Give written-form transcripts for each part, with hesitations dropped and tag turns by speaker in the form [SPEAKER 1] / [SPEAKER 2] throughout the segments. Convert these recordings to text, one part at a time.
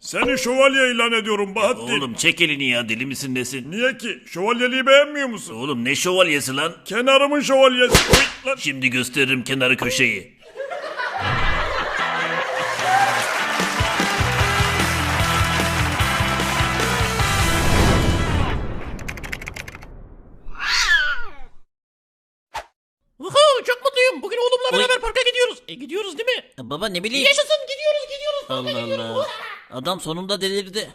[SPEAKER 1] Seni şövalye ilan ediyorum Bahattin.
[SPEAKER 2] Oğlum çek elini ya, deli misin nesin?
[SPEAKER 1] Niye ki? Şövalyeliği beğenmiyor musun?
[SPEAKER 2] Oğlum ne şövalyesi lan?
[SPEAKER 1] Kenarımın şövalyesi. Oy, lan.
[SPEAKER 2] Şimdi gösteririm kenarı köşeyi.
[SPEAKER 3] Çok mutluyum. Bugün oğlumla beraber parka gidiyoruz. Gidiyoruz değil mi?
[SPEAKER 2] Baba ne bileyim.
[SPEAKER 3] Yaşasın, gidiyoruz.
[SPEAKER 2] Allah Allah. Adam sonunda delirdi.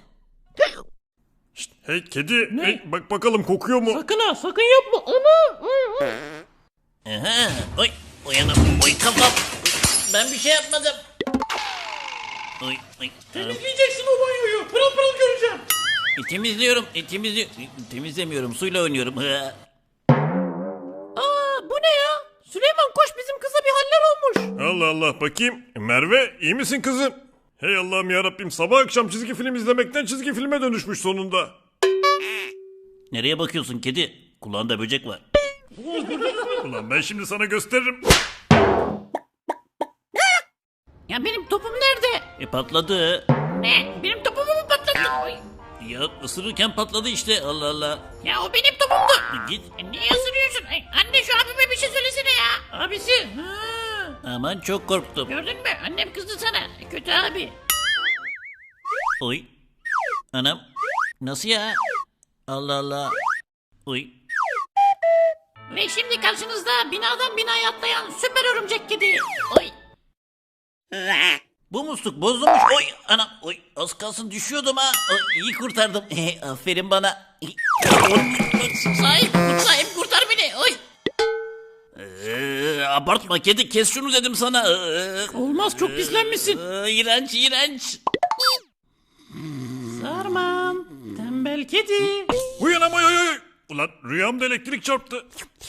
[SPEAKER 1] Hey kedi. Hey, bak bakalım kokuyor mu?
[SPEAKER 3] Sakın yapma. Ana.
[SPEAKER 2] Aha. Oy. Uyanım. Oy kafam. Ben bir şey yapmadım. Oy. Oy.
[SPEAKER 3] Temizleyeceksin o banyoyu. Pırıl pırıl göreceğim.
[SPEAKER 2] Temizliyorum. Temizlemiyorum. Suyla oynuyorum.
[SPEAKER 3] Bu ne ya? Süleyman koş, bizim kıza bir haller olmuş.
[SPEAKER 1] Allah Allah, bakayım. Merve iyi misin kızım? Hey Allah'ım yarabbim, sabah akşam çizgi film izlemekten çizgi filme dönüşmüş sonunda.
[SPEAKER 2] Nereye bakıyorsun kedi? Kulağında böcek var.
[SPEAKER 1] Ulan ben şimdi sana gösteririm.
[SPEAKER 3] Ya benim topum nerede?
[SPEAKER 2] Patladı.
[SPEAKER 3] Ne? Benim topumu mu patlattın? Ay.
[SPEAKER 2] Ya ısırırken patladı işte. Allah Allah.
[SPEAKER 3] Ya o benim topumdu.
[SPEAKER 2] Git.
[SPEAKER 3] Niye ısırıyorsun? Anne şu abime bir şey söylesene ya. Abisi.
[SPEAKER 2] Aman çok korktum.
[SPEAKER 3] Gördün mü? Annem kızdı sana. Kötü abi.
[SPEAKER 2] Oy. Anam. Nasıl ya? Allah Allah. Oy.
[SPEAKER 3] Ve şimdi karşınızda binadan binaya atlayan süper örümcek kedi. Oy.
[SPEAKER 2] Bu musluk bozulmuş. Oy anam. Oy az kalsın düşüyordum ha. Oy, iyi kurtardım. Aferin bana.
[SPEAKER 3] Sahip kurtar beni. Oy.
[SPEAKER 2] Abartma kedi, kes şunu dedim sana.
[SPEAKER 3] Olmaz, çok pislenmişsin.
[SPEAKER 2] İğrenç.
[SPEAKER 3] Sarmam. Tembel kedi.
[SPEAKER 1] Uyanam oy. Ulan rüyamda elektrik çarptı.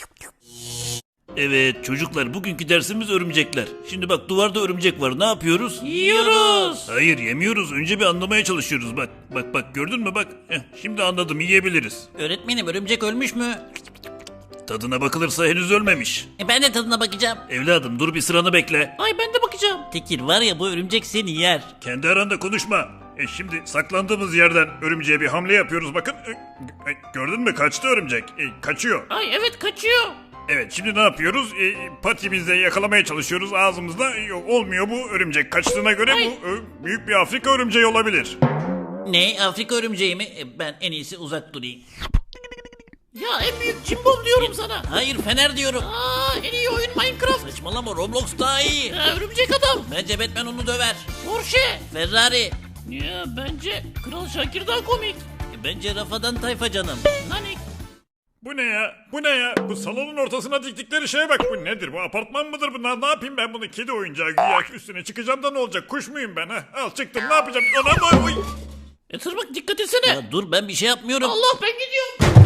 [SPEAKER 2] Evet çocuklar, bugünkü dersimiz örümcekler. Şimdi bak, duvarda örümcek var, ne yapıyoruz?
[SPEAKER 3] Yiyoruz.
[SPEAKER 2] Hayır, yemiyoruz, önce bir anlamaya çalışıyoruz. Bak gördün mü bak. Şimdi anladım, yiyebiliriz.
[SPEAKER 3] Öğretmenim, örümcek ölmüş mü?
[SPEAKER 2] Tadına bakılırsa henüz ölmemiş.
[SPEAKER 3] Ben de tadına bakacağım.
[SPEAKER 2] Evladım dur, bir sıranı bekle.
[SPEAKER 3] Ay ben de bakacağım.
[SPEAKER 2] Tekir var ya, bu örümcek seni yer.
[SPEAKER 1] Kendi aranda konuşma. Şimdi saklandığımız yerden örümceğe bir hamle yapıyoruz bakın. Gördün mü, kaçtı örümcek. Kaçıyor.
[SPEAKER 3] Ay evet, kaçıyor.
[SPEAKER 1] Evet, şimdi ne yapıyoruz? Patimizle yakalamaya çalışıyoruz ağzımızda. Yok, olmuyor bu örümcek. Kaçtığına göre
[SPEAKER 3] Ay.
[SPEAKER 1] bu büyük bir Afrika örümceği olabilir.
[SPEAKER 2] Ne, Afrika örümceği mi? Ben en iyisi uzak durayım.
[SPEAKER 3] Ya en büyük cimbom diyorum sana.
[SPEAKER 2] Hayır, fener diyorum.
[SPEAKER 3] En iyi oyun Minecraft.
[SPEAKER 2] Saçmalama, Roblox daha iyi.
[SPEAKER 3] Ya, örümcek adam.
[SPEAKER 2] Bence Batman onu döver.
[SPEAKER 3] Porsche.
[SPEAKER 2] Ferrari.
[SPEAKER 3] Ya bence Kral Şakir daha komik.
[SPEAKER 2] Bence Rafadan Tayfa canım.
[SPEAKER 3] Nanik.
[SPEAKER 1] Bu ne ya? Bu ne ya? Bu salonun ortasına diktikleri şeye bak. Bu nedir? Bu apartman mıdır bu? Ne yapayım ben bunu? Kedi oyuncağı güya, üstüne çıkacağım da ne olacak? Kuş muyum ben ha? Al çıktım, ne yapacağım? Anam oy.
[SPEAKER 3] Tırmık, dikkat etsene.
[SPEAKER 2] Ya dur, ben bir şey yapmıyorum.
[SPEAKER 3] Allah, ben gidiyorum.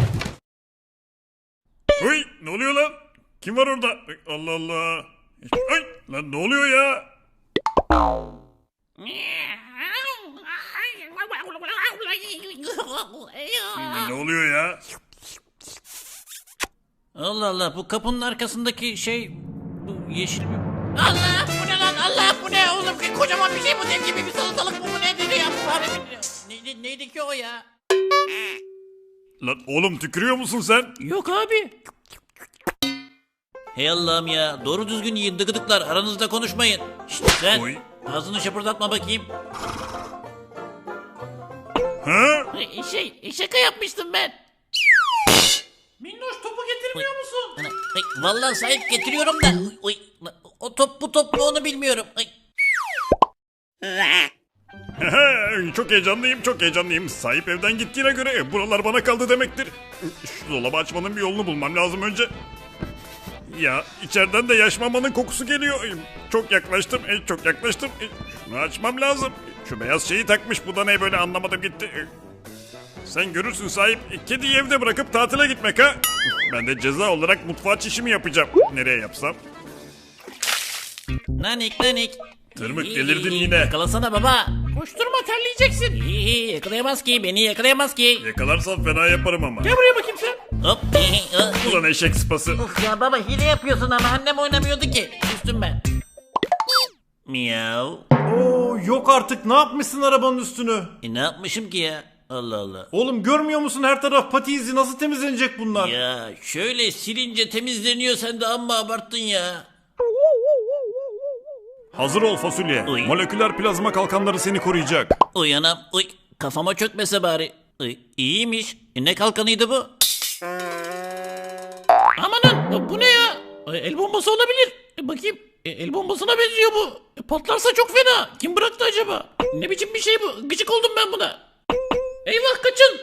[SPEAKER 1] Oy, ne oluyor lan? Kim var orada? Allah Allah. Ay lan, ne oluyor ya? Ne oluyor ya?
[SPEAKER 2] Allah Allah, bu kapının arkasındaki şey, bu yeşil bir...
[SPEAKER 3] Allah, bu ne lan? Allah, bu ne oğlum? Kocaman bir şey bu, dev gibi bir salatalık bu ne dedi ya? Bu neydi ki o ya?
[SPEAKER 1] Lan oğlum, tükürüyor musun sen?
[SPEAKER 3] Yok abi.
[SPEAKER 2] Hey Allah'ım ya, doğru düzgün yiyin dıgıdıklar, aranızda konuşmayın. Şşt sen,
[SPEAKER 1] Oy.
[SPEAKER 2] ağzını şapırdatma bakayım.
[SPEAKER 1] Ha?
[SPEAKER 3] Şaka yapmıştım ben. Minnoş, topu getirmiyor musun?
[SPEAKER 2] Vallahi sahip getiriyorum da. Oy, o top bu top mu onu bilmiyorum. Ay.
[SPEAKER 1] Çok heyecanlıyım. Sahip evden gittiğine göre buralar bana kaldı demektir. Şu dolabı açmanın bir yolunu bulmam lazım önce. Ya içeriden de yaş mamanın kokusu geliyor. Çok yaklaştım. Şunu açmam lazım. Şu beyaz şeyi takmış. Bu da ne böyle, anlamadım gitti. Sen görürsün sahip. Kediyi evde bırakıp tatile gitmek ha. Ben de ceza olarak mutfağa çişimi yapacağım. Nereye yapsam?
[SPEAKER 2] Nanik.
[SPEAKER 1] Tırmık, delirdin yine.
[SPEAKER 2] Yakalasana baba.
[SPEAKER 3] Koşturma, terleyeceksin.
[SPEAKER 2] Yakalayamaz ki, beni yakalayamaz ki.
[SPEAKER 1] Yakalarsam fena yaparım ama.
[SPEAKER 3] Gel buraya bakayım sen.
[SPEAKER 2] Hop.
[SPEAKER 1] Ulan eşek sıpası.
[SPEAKER 2] Ya baba, hile yapıyorsun ama annem oynamıyordu ki. Üstüm ben. Miyav.
[SPEAKER 4] Oo yok artık, ne yapmışsın arabanın üstünü?
[SPEAKER 2] Ne yapmışım ki ya? Allah Allah.
[SPEAKER 4] Oğlum görmüyor musun, her taraf pati izi, nasıl temizlenecek bunlar?
[SPEAKER 2] Ya şöyle silince temizleniyor, sen de amma abarttın ya.
[SPEAKER 1] Hazır ol fasulye.
[SPEAKER 2] Oy.
[SPEAKER 1] Moleküler plazma kalkanları seni koruyacak.
[SPEAKER 2] Uy anam, uy kafama çökmese bari. Uy, iyiymiş. Ne kalkanıydı bu?
[SPEAKER 3] Amanın bu ne ya? El bombası olabilir. Bakayım. El bombasına benziyor bu. Patlarsa çok fena. Kim bıraktı acaba? Ne biçim bir şey bu? Gıcık oldum ben buna. Eyvah, kaçın.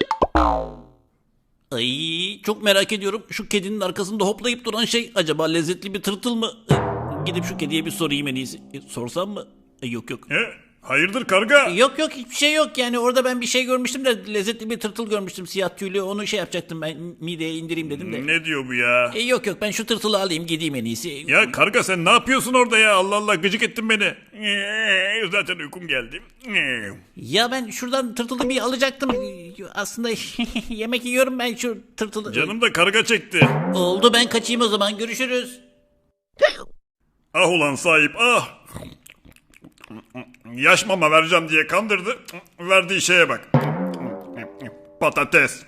[SPEAKER 2] Ay çok merak ediyorum. Şu kedinin arkasında hoplayıp duran şey acaba lezzetli bir tırtıl mı? Gidip şu kediye bir sorayım en iyisi. Sorsam mı? Yok yok.
[SPEAKER 1] Hayırdır karga?
[SPEAKER 2] Yok yok, hiçbir şey yok yani, orada ben bir şey görmüştüm de lezzetli bir tırtıl görmüştüm, siyah tüylü, onu şey yapacaktım ben, mideye indireyim dedim de.
[SPEAKER 1] Ne diyor bu ya?
[SPEAKER 2] Yok yok, ben şu tırtılı alayım gideyim en iyisi.
[SPEAKER 1] Ya karga sen ne yapıyorsun orada ya? Allah Allah, gıcık ettin beni. Zaten uykum geldi.
[SPEAKER 2] Ya ben şuradan tırtılı bir alacaktım. Aslında yemek yiyorum ben şu tırtılı.
[SPEAKER 1] Canım da karga çekti.
[SPEAKER 2] Oldu, ben kaçayım o zaman, görüşürüz.
[SPEAKER 1] Ah ulan sahip ah. Yaş mama vereceğim diye kandırdı. Verdiği şeye bak. Patates.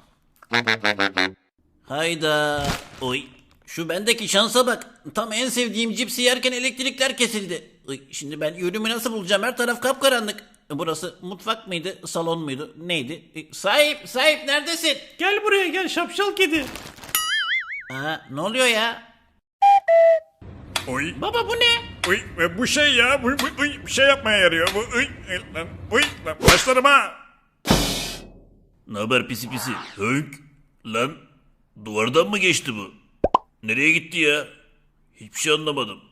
[SPEAKER 2] Hayda. Oy. Şu bendeki şansa bak. Tam en sevdiğim cipsi yerken elektrikler kesildi. Oy, şimdi ben yönümü nasıl bulacağım? Her taraf kapkaranlık. Burası mutfak mıydı? Salon muydu? Neydi? Sahip neredesin?
[SPEAKER 4] Gel buraya gel şapşal kedi.
[SPEAKER 2] Aa, ne oluyor ya?
[SPEAKER 1] Oy.
[SPEAKER 3] Baba bu ne?
[SPEAKER 1] Uy, bu şey ya, bu bir şey yapmaya yarıyor. Bu, lan, başlarım ha.
[SPEAKER 5] Ne haber pisi pisi? Hönk. Lan duvardan mı geçti bu? Nereye gitti ya? Hiçbir şey anlamadım.